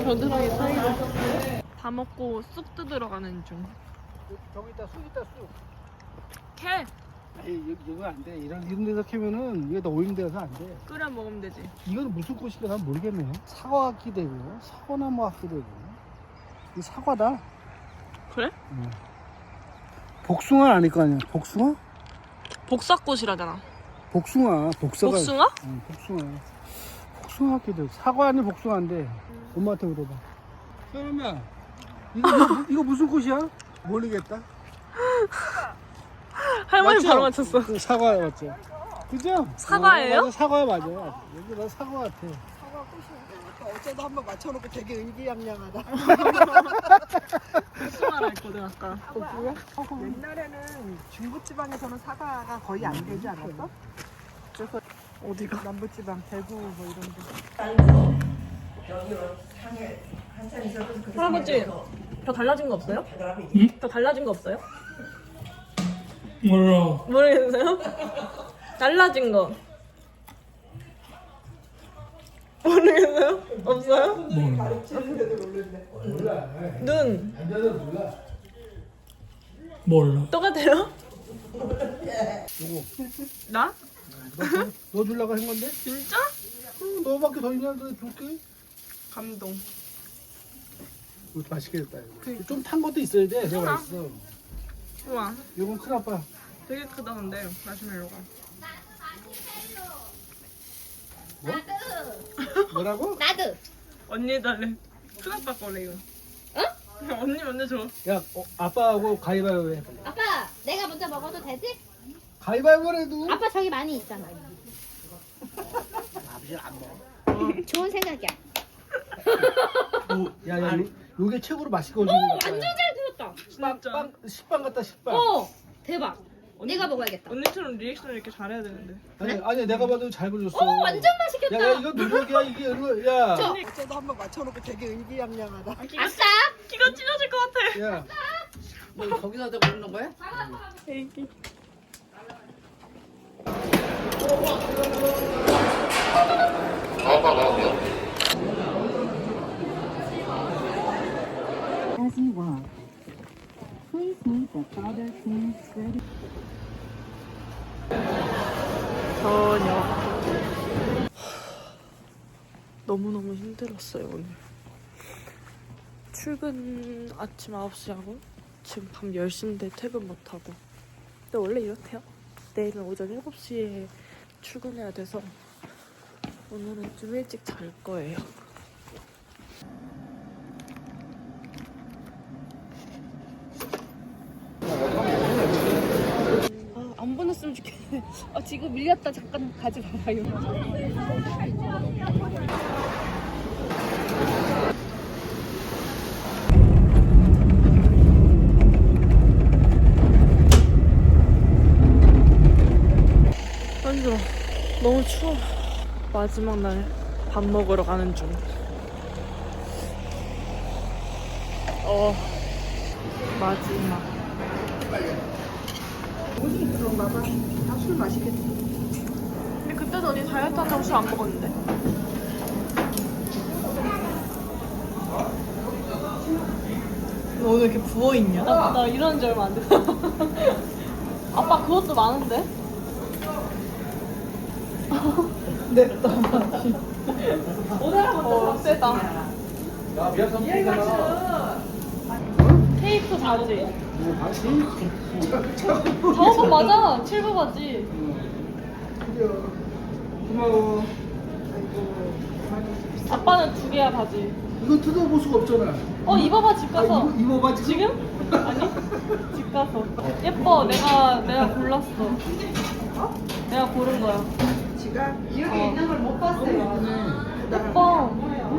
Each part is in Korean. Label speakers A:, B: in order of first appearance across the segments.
A: 겨드랑이 사이로. 다 먹고 쑥 뜯으러 가는 중.
B: 저기 있다 쑥 있다 쑥.
A: 캐!
B: 에이 이거 안 돼. 이런 데서 캐면은 이게 다 오염 돼서 안 돼.
A: 끓여 먹으면 되지.
B: 이건 무슨 꽃인가 난 모르겠네. 사과 같기도 되고 사과나무 같기도 되고. 이 사과다.
A: 그래?
B: 응. 복숭아 아닐 거 아니야. 복숭아?
A: 복사꽃이라잖아.
B: 복숭아. 복사가.
A: 복숭아?
B: 응, 복숭아. 복숭아 같기도 해. 사과 아니 복숭아인데. 엄마한테 물어봐. 사람아, 이거 무슨 꽃이야? 모르겠다.
A: 할머니
B: 맞죠?
A: 바로 맞췄어.
B: 그 사과 맞죠? 그죠?
A: 사과예요?
B: 맞아, 사과 맞아. 여기 나 사과 같아.
C: 사과 꽃이 어제도 한번 맞춰놓고 되게 의기양양하다.
A: 복숭아라 했거든 아까.
C: 옛날에는 중부지방에서는 사과가 거의 안 되지 않았어? 그래서
A: 어디가?
C: 남부지방, 대구 뭐 이런 데.
A: 할아버지, 더 달라진 거 없어요? 더 달라진 거 없어요?
B: 몰라.
A: 모르겠어요? 달라진 거. 모르겠어요? 없어요? 눈.
B: 몰라.
A: 똑같아요? 나?
B: 너 주려고 한 건데?
A: 진짜?
B: 너밖에 더 있는데 줄게.
A: 감동.
B: 이거 맛있게 됐다. 이거. 좀 탄 것도 있어야 돼. 내가
A: 우와.
B: 맛있어.
A: 우와,
B: 이건 큰아빠.
A: 되게 크다 근데 마시멜로가.
B: 뭐? 뭐라고?
D: 나도.
A: 언니 달래. 큰아빠 거래 이거. 어? 언니 먼저 줘.
B: 야, 아빠하고 가위바위보 해.
D: 아빠, 내가 먼저 먹어도 되지?
B: 가위바위보래도.
D: 아빠 저기 많이 있잖아.
B: 아버지 안 먹어.
D: 좋은 생각이야.
B: 야, 요게 최고로 맛있게 올리는 거야.
D: 완전 잘 들었다.
A: 진짜.
B: 식빵 같다, 식빵.
D: 대박. 내가 먹어야겠다.
A: 언니처럼 리액션을 이렇게 잘해야 되는데.
B: 아니, 내가 봐도 잘 그렸어.
D: 완전 맛있겠다.
B: 야, 이거 누룩이야, 이게. 야.
C: 어제도 한번 맞춰놓고 되게 의기양양하다.
D: 아싸.
A: 키가 찢어질 것 같아.
B: 야.
C: 거기서 다 먹는 거야?
A: 애기.
E: As you walk, please meet the Father King Freddy.
A: 저녁. 너무너무 힘들었어요 오늘. 출근 아침 9시 하고 지금 밤 10시인데 퇴근 못하고. 근데 원래 이렇대요. 내일은 오전 7시에 출근해야 돼서 오늘은 좀 일찍 잘 거예요. 안 보냈으면 좋겠네. 지금 밀렸다. 잠깐 가지 마봐요. 힘들어. 너무 추워. 마지막 날 밥 먹으러 가는 중. 마지막.
C: 그런가 봐. 술 맛있겠다.
A: 근데 그때도 언니 다이어트 한다고 술 안 먹었는데. 너 오늘 이렇게 부어있냐? 나 일어난 지 얼마 안 됐어. 아빠 그것도 많은데? 네, 나 맛이. 세다.
B: 야, 미안합니다.
A: 테이프 바지. 저거 맞아. 7부 바지.
B: 고마워.
A: 아빠는 2개야 바지.
B: 이거 뜯어볼 수가 없잖아.
A: 입어봐 집 가서.
B: 입어봐, 지금?
A: 지금? 아니 집 가서. 예뻐. 내가 골랐어. 내가 고른 거야.
C: 지가 여기 있는 걸 못 봤어요.
A: 예뻐.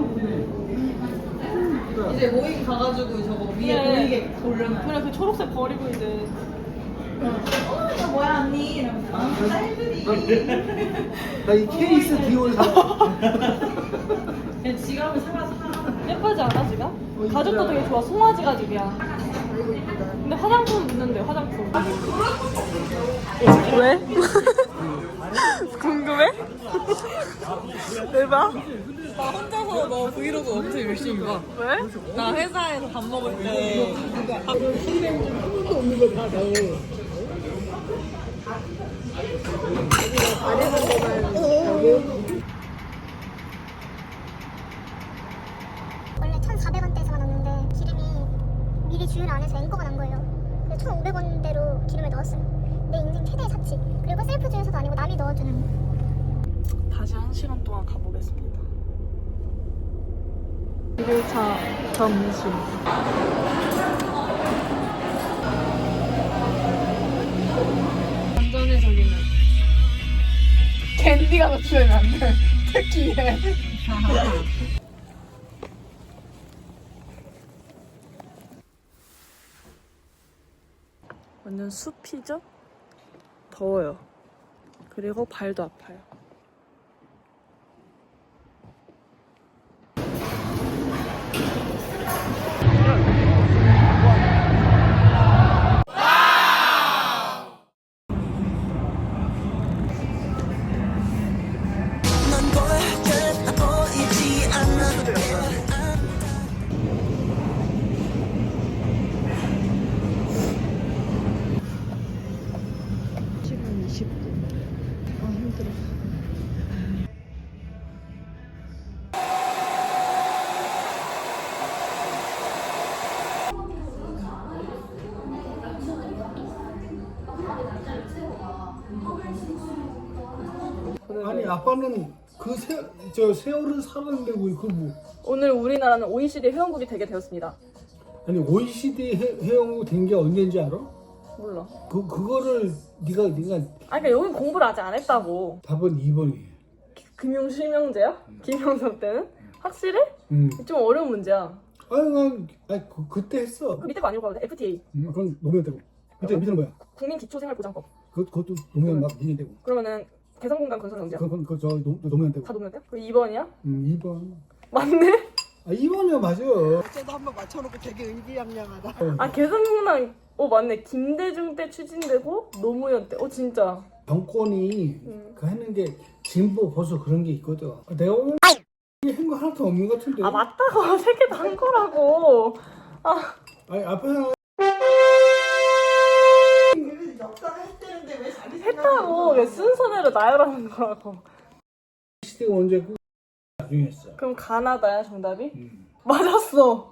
C: 이제 모임 가가지고 저거 위에 보이게 고르면.
A: 그래 그 초록색 버리고 이제.
C: 이거 뭐야 언니? 이러면서.
B: 나 이 케이스 디올 사.
C: 그냥 지갑을 사가서
A: 예쁘지 않아 지가?
B: 이쁘다.
A: 가죽도 되게 좋아. 송아지 가죽이야. 근데 화장품 묻는데 화장품. 왜? 궁금해? 대박.
C: 나 혼자서 너 브이로그 엄청 열심히 봐. 왜? 나 회사에서 밥 먹을 때.
F: 원래 1,400원대에서 나왔는데 기름이 미리 주유를 안 해서 앵커가 난 거예요. 그래서 1,500원대로 기름을 넣었어요. 내 인생 최대의 사치. 그리고 셀프 주유소도 아니고 남이 넣어주는.
A: 다시 1시간 동안 가보겠습니다. 1일차 점심.
D: 완전히 저기는.
A: 캔디가 노출되면 안 돼. 특히해. 완전 숲이죠? 더워요. 그리고 발도 아파요. 시간 20분. 아, 힘들어.
B: 아니 아빠는 저 세월을 살았는데 뭐
A: 오늘 우리나라는 OECD 회원국이 되게 되었습니다.
B: 아니 OECD 회원국 된 게 언제인지 알아?
A: 몰라.
B: 그거를 네가
A: 아니, 그러니까 여기 공부를 아직 안 했다고.
B: 답은 2번이에요.
A: 금융실명제야? 김영삼 때는? 확실해? 좀 어려운 문제야.
B: 아니 그때 했어.
A: 밑에 거 아니고 가도 돼. FTA.
B: 그건 노무현 때고. 밑에는 뭐야?
A: 국민기초생활보장법.
B: 그것도 노무현 막 문제 되고.
A: 그러면은 개성공단 건설경제야.
B: 그저 노무현 때고.
A: 다 노무현 때? 그리고 2번이야?
B: 2번.
A: 맞네?
B: 아 2번이야 맞아.
C: 어쩌다 한번 맞춰놓고 되게 의기양양하다.
A: 아 개성공단 맞네. 김대중 때 추진되고 노무현 때. 진짜.
B: 정권이 그 하는 게 진보 보수 그런 게 있거든. 내가 오늘 한거 하나도 없는 것 같은데.
A: 아 맞다고. 3개 다 한 거라고.
B: 아니 앞에서
C: 역사를 했다는데 왜 자기
A: 했다고. 왜 순서대로 나열하는 거라고.
B: 시대가 언제 그 나중에 했어.
A: 그럼 가나다야 정답이? 맞았어.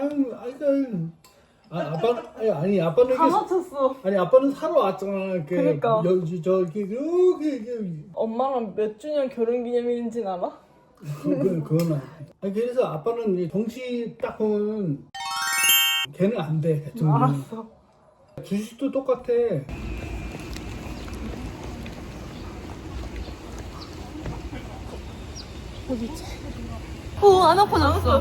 B: 아니 아빠는
A: 다 맞췄어.
B: 아니 아빠는 살아왔잖아.
A: 그러니까.
B: 저기
A: 엄마랑 몇 주년 결혼기념일인지는 알아?
B: 그건 아니 그래서 아빠는 이 정치 딱 보면 걔는 안 돼. 대통령.
A: 알았어.
B: 주식도 똑같아.
A: 안 아파졌어?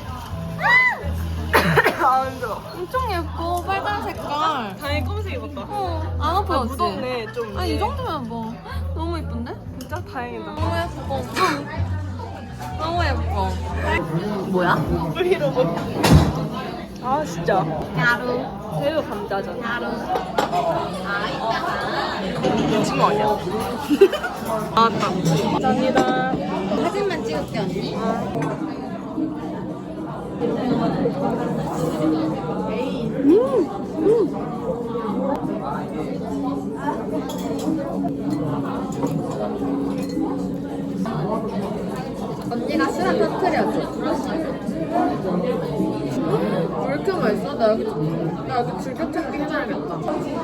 A: 아 힘들어.
G: 엄청 예뻐 빨간 색깔.
A: 다행히 검은색 입었다.
G: 안 아파졌지?
A: 무덥네 좀.
G: 아니 이 정도면 뭐 너무 예쁜데?
A: 진짜 다행이다.
G: 너무 예뻐. 너무 예뻐.
A: 브이로그. 아 진짜.
G: 야루.
A: 새우 감자전.
G: 야루.
A: 미친 거 아니야? 나왔다. 감사합니다.
G: 사진만 찍을게 언니. 언니가 수락 터트려줘. 왜 이렇게 맛있어? 나 여기 즐겨찾기 해놔야겠다.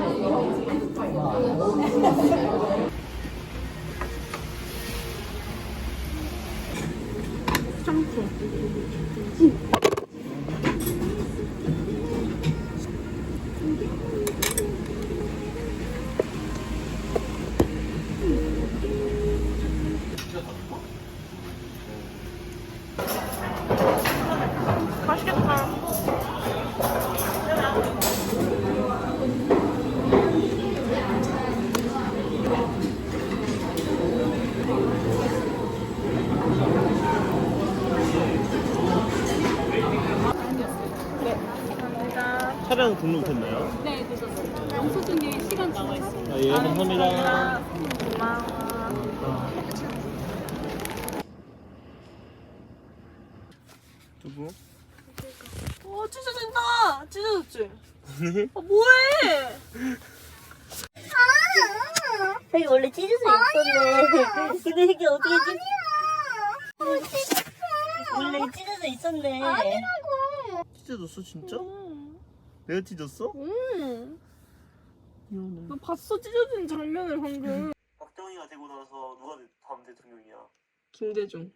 A: 맛있겠다.
H: 차량 등록됐나요? 네, 됐었어요. 영수증에 시간 나와 있어요. 아, 예, 감사합니다.
A: 고마워.
H: 누구?
A: 찢어진다. 찢어졌지? 뭐해?
I: 여기 원래 찢어져 있었네. 근데 이게 어떻게 원래 찢어져 있었네.
H: 찢어졌어 진짜? 내가 찢었어?
A: 나 봤어 찢어진 장면을 방금.
H: 박정희가 되고 나서 누가 다음 대통령이야?
C: 김대중.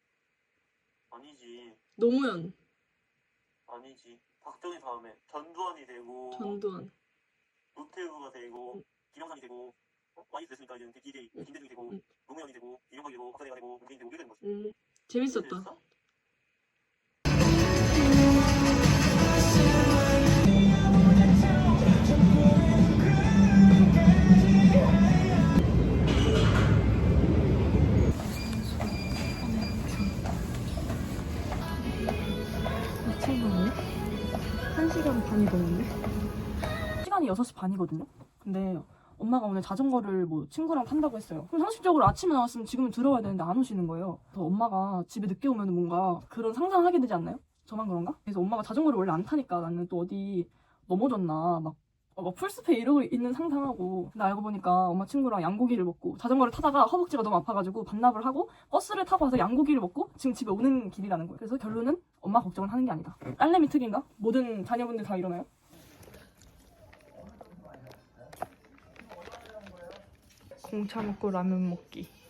H: 아니지.
C: 노무현.
H: 아니지. 박정희 다음에 전두환이 되고
C: 전두환.
H: 노태우가 되고 김영삼이 되고 많이 됐으니까 이제 김대중이 되고 노무현이 되고 이명박이 되고 박사대가 되고 문재인이 되고 이렇게 되는 거지.
C: 재밌었다.
H: 됐어?
A: 시간이 6시 반이거든요. 근데 엄마가 오늘 자전거를 뭐 친구랑 탄다고 했어요. 그럼 상식적으로 아침에 나왔으면 지금은 들어와야 되는데 안 오시는 거예요. 그래서 엄마가 집에 늦게 오면 뭔가 그런 상상을 하게 되지 않나요? 저만 그런가? 그래서 엄마가 자전거를 원래 안 타니까 나는 또 어디 넘어졌나 막 풀스페 이러고 있는 상상하고, 근데 알고 보니까 엄마 친구랑 양고기를 먹고 자전거를 타다가 허벅지가 너무 아파가지고 반납을 하고 버스를 타고 와서 양고기를 먹고 지금 집에 오는 길이라는 거예요. 그래서 결론은 엄마 걱정을 하는 게 아니다. 딸내미 특인가? 모든 자녀분들 다 이러나요? 공차 먹고 라면 먹기.